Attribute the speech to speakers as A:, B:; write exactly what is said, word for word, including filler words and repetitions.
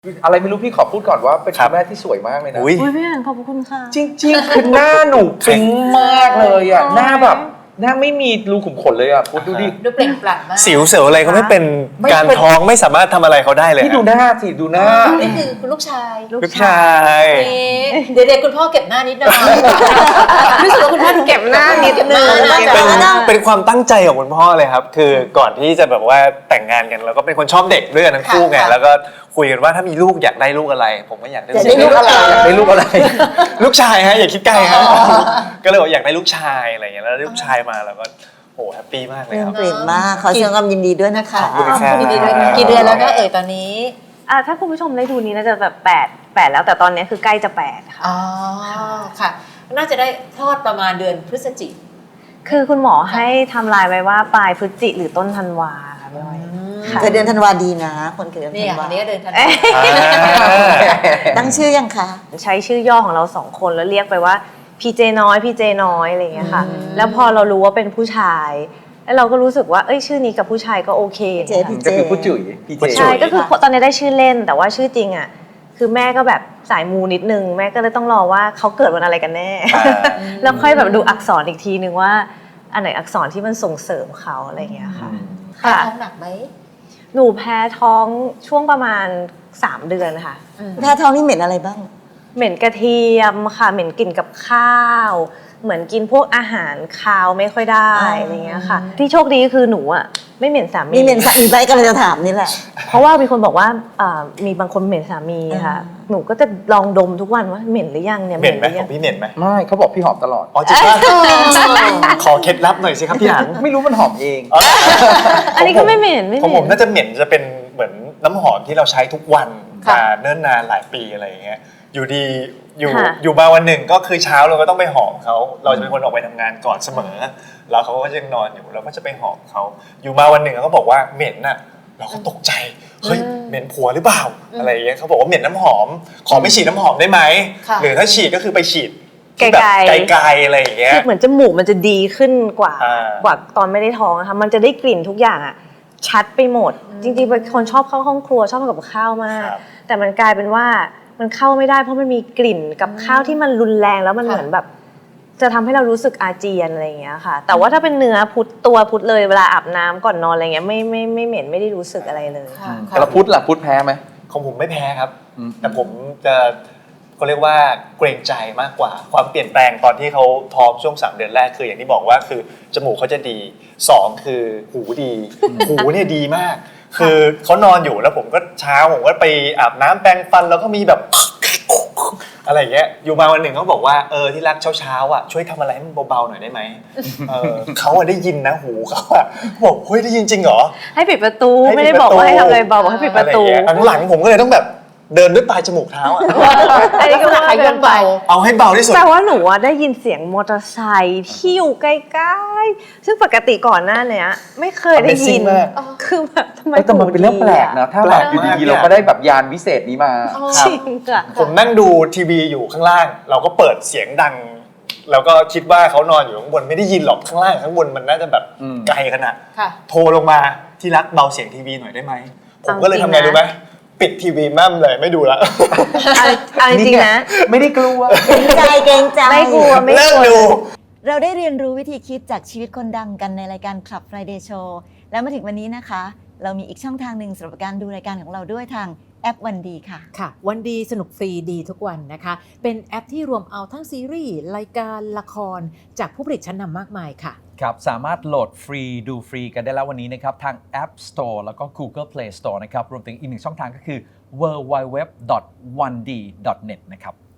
A: อะไรไม่รู้พี่ขอพูดก่อนว่าเป็นคุณแม่ที่สวยมากเลยนะ
B: อุ้ย
C: อุ้ยพี่อ่านขอบคุณค่ะ
A: จริงๆคือหน้าหนูปิ๊งมากเลยอ่ะหน้าแบบหน้าไม่มีรูขุมขนเลยอ่ะพูดดูดิ
D: ดูเปล่งปลั่งมาก
B: สิวเสียวอะไรก็ไม่เป็น
A: ไม่
B: การ
A: เป็น
B: ท้องไม่สามารถทำอะไรเขาได้เลย
A: พี่ดูหน้าสิดูหน้า
D: นี่คือคุณลูกชาย
B: ลูกชาย
D: เดี๋ยวเดี๋ยวคุณพ่อเก็บหน้านิดหน่อยรู้สึกว่าคุณพ่อดูเก็บหน้านิดนึง
B: เป็นเป็นความตั้งใจของคุณพ่อเลยครับคือก่อนที่จะแบบว่าแต่งงานกันเราก็เป็นคนชอบเด็กด้วยกันทั้งคู่ไงแล้วก็คุยกันว่าถ้ามีลูกอยากได้ลูกอะไร ผมก็อยากได้
D: อยากได้ลูกอะไร
A: อยากได้ลูกอะไร
B: ลูกชายฮะอย่าคิดไกลฮะก็เลยบอกอยากได้ลูกชายอะไรอย่างเงี้ยแล้วได้ลูกชายมาแล้วก็โอ้แฮปปี้มากเลยครับ
E: เปลี่ยนมากขอแสดงความยินดีด้วยนะคะ
B: ขอบคุณครับ
D: ดีๆด้วยกี่เดือนแล้วนะเอ่ยตอนนี้
C: อ่าถ้าคุณผู้ชมได้ดูนี้น่าจะแบบแปดแปดแล้วแต่ตอนนี้คือใกล้จะแปดค่ะ
D: อ๋อค่ะ น่าจะได้คลอดประมาณเดือนพฤศจิก
C: คือคุณหมอให้ทำลายไว้ว่าปลายพฤศจิหรือต้นธันวาค่ะพี่อ้อย ค่ะ
E: เกิดเดือนธันวาดีนะ คนเกิดเดือน
D: นี่
E: ธัน
D: อั
E: วาน
D: นี้ก็เดือนธันวา
E: ตั้งชื่อยังคะ
C: ใช้ชื่อย่อของเราสองคนแล้วเรียกไปว่าพีเจน้อยพีเจน้อยอะไรอย่างเงี้ยค่ะแล้วพอเรารู้ว่าเป็นผู้ชายแล้วเราก็รู้สึกว่าเอ้ยชื่อนี้กับผู้ชายก็โอเค
E: เจพี่เจ
A: ก็คือผู้จุ๋ยพี่เจ
C: ใช่ก็คือตอนนี้ได้ชื่อเล่นแต่ว่าชื่อจริงอ่ะคือแม่ก็แบบสายมูนิดนึงแม่ก็เลยต้องรอว่าเขาเกิดวันอะไรกันแน่ แล้วค่อยแบบดูอักษรอีกทีนึงว่าอันไหนอักษรที่มันส่งเสริมเขาอะไรอย่างเงี้ยค่ะ
D: ค่ะ
C: ค่ะ
D: ท้องหนักไหม
C: หนูแพ้ท้องช่วงประมาณสามเดือนค่ะ
E: แพ้ท้องนี่เหม็นอะไรบ้าง
C: เหม็นกระเทียมค่ะเหม็นกลิ่นกับข้าว เหมือนกินพวกอาหารคาวไม่ค่อยได้
E: อ๋ออ
C: อะไรเงี้ยค่ะ ที่โชคดีก็คือหนูอ่ะไม่เหม็นสามี
E: มีเหม็นสามีไปก็เลยจะถามนี่แหละ
C: เพราะว่ามีคนบอกว่าอ่ามีบางคนเหม็นสามีค่ะ
E: อ่า
C: หนูก็จะลองดมทุกวันว่าเหม็นหรือยังเนี่ย
B: เหม็นไหม
C: รือ
B: ข
C: ยั
B: องพี่เหม็นไหม
A: ไม่เขาบอกพี่หอมตลอด
B: อ๋อจริงป่ะขอเคล็ดลับหน่อยสิครับพี่หาง
A: ไม่รู้มันหอมเอง
C: อันนี้ก็ไม่เหม็นไม่เห
B: ของผ
C: ม็
B: ม
C: น
B: น่าจะเหม็นจะเป็นเหมือนน้ำหอมที่เราใช้ทุกวัน
D: ค่ะ
B: มาเนิ่นนานหลายปีอะไรอย่างเงี้ยอยู่ดีอยู่
C: ค่ะ
B: อยู่มาวันหนึ่งก็คือเช้าเราก็ต้องไปหอมเขาเราจะเป็นคนออกไปทำงานก่อนเสมอ แล้วเขาก็ยังนอนอยู่เราก็จะไปหอมเขาอยู่มาวันหนึ่งเขาก็บอกว่าเหม็นน่ะเราก็ตกใจเฮ้ยเหม็นผัวหรือเปล่าอะไรอย่างเงี้ยเขาบอกว่าเหม็นน้ำหอม ขอไม่ฉีดน้ำหอมได้ไหม
D: ค่ะ
B: หรือถ้าฉีดก็คือไปฉีดที่แบบ
C: ไกลๆ
B: ไกลๆอะไรอย่างเงี้ย
C: คือเหมือนจมูกมันจะดีขึ้นกว่า
B: อ่าก
C: ว่าตอนไม่ได้ท้องนะคะมันจะได้กลิ่นทุกอย่างอะชัดไปหมด จริงๆเป็นคนชอบเข้าห้องครัวชอบทำกับข้าวมาก
B: ครับ
C: แต่มันกลายเป็นว่ามันเข้าไม่ได้เพราะมันมีกลิ่นกับข้าวที่มันรุนแรงแล้วมัน
D: ค่ะ
C: เหมือนแบบ จะทำให้เรารู้สึกอาเจียนอะไรอย่างเงี้ยค่ะ แต่ว่าถ้าเป็นเนื้อพุทตัวพุทเลยเวลาอาบน้ำก่อนนอนอะไรเงี้ยไม่ไม่ไม่เหม็นไม่ได้รู้สึกอะไรเลย
D: ค่ะ
A: แต่ละพุทธล่ะพุทธแพ้ไหม
B: ของผมไม่แพ้ครับ
A: อืม
B: แต่ผมจะเขาเรียกว่าเกรงใจมากกว่า ความเปลี่ยนแปลงตอนที่เขาท้องช่วงสามเดือนแรกคืออย่างที่บอกว่าคือจมูกเขาจะดีสองคือหูดี หูเนี่ยดีมาก คือเขานอนอยู่แล้วผมก็เช้าผมก็ไปอาบน้ำแปรงฟันแล้วก็มีแบบ อะไรอย่างเงี้ยอยู่มาวันหนึ่งเขาบอกว่าเออที่รักเช้าๆอ่ะช่วยทำอะไรให้มันเบาๆหน่อยได้ไหมเออเขาอะได้ยินนะหูเขาอะบอกเฮ้ยได้ยินจริงเหรอ
C: ให้ปิดประตู
B: ให้ปิด
C: ไม่ได้บอกว่าให้ทำอะไรเบาบอกให้ปิดประตู
B: อไอย่างเงี้ยหลังๆผมก็เลยต้องแบบเดินด้วยปลายจมูกเท้าอะ
C: อันนี้ก็ว่า
D: ขยันเบา
B: เอาให้เบาที่สุด
C: แต่ว่าหนูอะได้ยินเสียงมอเตอร์ไซค์ที่อยู่ใกล้ๆซึ่งปกติก่อนหน้าเนี้ยไม่เคยได้ยิน
B: Amazing มาก
C: คือแบบทำไม
A: เอ้ยแต่มันเป็นเรื่องแปลกนะถ้าแบบอยู่ดีๆเราก็ได้แบบยานวิเศษนี้มา
C: จริงค่ะ
B: ผมนั่งดูทีวีอยู่ข้างล่าง เราก็เปิดเสียงดัง แล้วก็คิดว่าเขานอนอยู่ข้างบนไม่ได้ยินหรอกข้างล่างข้างบนมันน่าจะแบบ
A: อืม
B: ไกลขนาด
D: ค่ะ
B: โทรลงมาที่รักเบาเสียงทีวีหน่อยได้ไหมผมก็เลย
C: เอาจริ
B: ทำ
C: ง
B: ไง
C: นะ
B: รู้ไหมปิดทีวีมั่มเลยไม่ดูละ
C: เอาเอาจริงๆนะ
A: ไม่ได้กลัว
E: เกรงใจเกรงใจ
C: ไม่กลัวไม่
B: เลิ
C: ก
B: ก
C: ลัว
B: ดู
E: เราได้เรียนรู้วิธีคิดจากชีวิตคนดังกันในรายการ Club Friday Show แล้วมาถึงวันนี้นะคะ เรามีอีกช่องทางหนึ่งสำหรับการดูรายการของเราด้วยทางแอปวันดีค่ะ
F: ค่ะวันดีสนุกฟรีดีทุกวันนะคะ เป็นแอปที่รวมเอาทั้งซีรีส์รายการละครจากผู้ผลิตชั้นนำมากมายค่ะ
G: ครับสามารถโหลดฟรีดูฟรีกันได้แล้ววันนี้นะครับทาง App Store แล้วก็ Google Play Store นะครับรวมถึงอีกหนึ่งช่องทางก็คือ ดับเบิลยู ดับเบิลยู ดับเบิลยู ดอท วันดี ดอท เน็ต นะครับ